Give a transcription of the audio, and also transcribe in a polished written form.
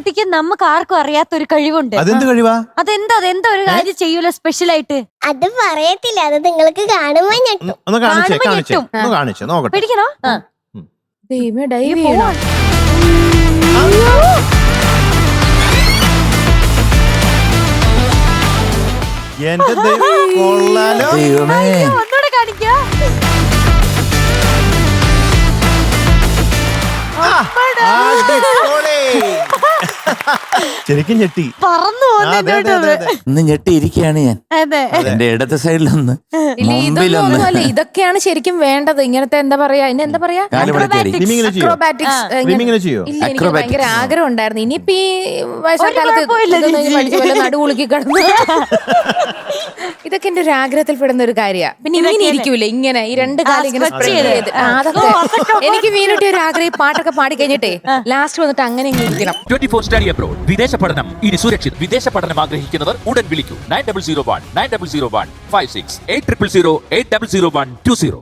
മീനുട്ടിക്ക് നമുക്ക് ആർക്കും അറിയാത്ത ഒരു കഴിവുണ്ട്. അതെന്ത് കഴിവാ? അതെന്താ ഒരു കാര്യം ചെയ്യൂല സ്പെഷ്യൽ ആയിട്ട്? അത് പറയത്തില്ല, അത് നിങ്ങൾക്ക് കാണുമ്പോ ഞെട്ടും. ഒന്ന് കാണിച്ചേ, കാണുമ്പോ കാണിച്ചേ, ഞെട്ടും. ഒന്ന് കാണിച്ചേ, നോക്കട്ടെ. പിടിക്കണോ? ദൈവമേ, ഡൈവ് ചെയ്യണോ? എന്റെ ദൈവം, കൊള്ളാലോ. ദൈവമേ, ഒന്നുകൂടെ കാണിക്കാ. അടിപൊളി. ശരിക്കും ഞെട്ടി. പറന്നു ഇന്ന് ഞെട്ടിയിരിക്കുകയാണ് ഞാൻ. അതെ, എന്റെ ഇടത്തെ സൈഡിലൊന്ന്, ഇല്ല, ഇതൊന്നും മുമ്പിലൊന്ന്. ഒന്നുമല്ല. ഇതൊക്കെയാണ് ശരിക്കും വേണ്ടത്. ഇങ്ങനത്തെ എന്താ പറയാ, ഇനി എന്താ പറയാ, കാലുപടച്ചേരി. സ്വിമ്മിങ്ങിന് ചെയ്യോ? അക്രോബാറ്റിക്സ്. സ്വിമ്മിങ്ങിന് ചെയ്യോ? ഇല്ല, എനിക്ക് Acrobatics. ഭയങ്കര ആഗ്രഹം ഉണ്ടായിരുന്നു. ഇനിയിപ്പോ ഈ വയസ്സാക്കാലത്ത് നടുവുളുക്കി കിടന്നു. ഇതൊക്കെ എന്റെ ഒരു ആഗ്രഹത്തിൽ പെടുന്ന ഒരു കാര്യമാണ്. പിന്നെ ഇങ്ങനെ ഇരിക്കൂലേ, ഇങ്ങനെ ഈ രണ്ട് കാലം ഇങ്ങനെ spread ചെയ്ത്. അതൊക്കെ എനിക്ക് മീനുട്ടി ഒരു ആഗ്രഹം. പാട്ടൊക്കെ പാടി കഴിഞ്ഞിട്ടേ ലാസ്റ്റ് വന്നിട്ട് അങ്ങനെ ഇങ്ങനെ ഇരിക്കണം. 24 സ്റ്റഡി അബ്രോഡ്. വിദേശ പഠനം ഇനി സുരക്ഷിത്. വിദേശ പഠനം ആഗ്രഹിക്കുന്നവർ ഉടൻ വിളിക്കൂ 9001 9001 56 8000 8001 20.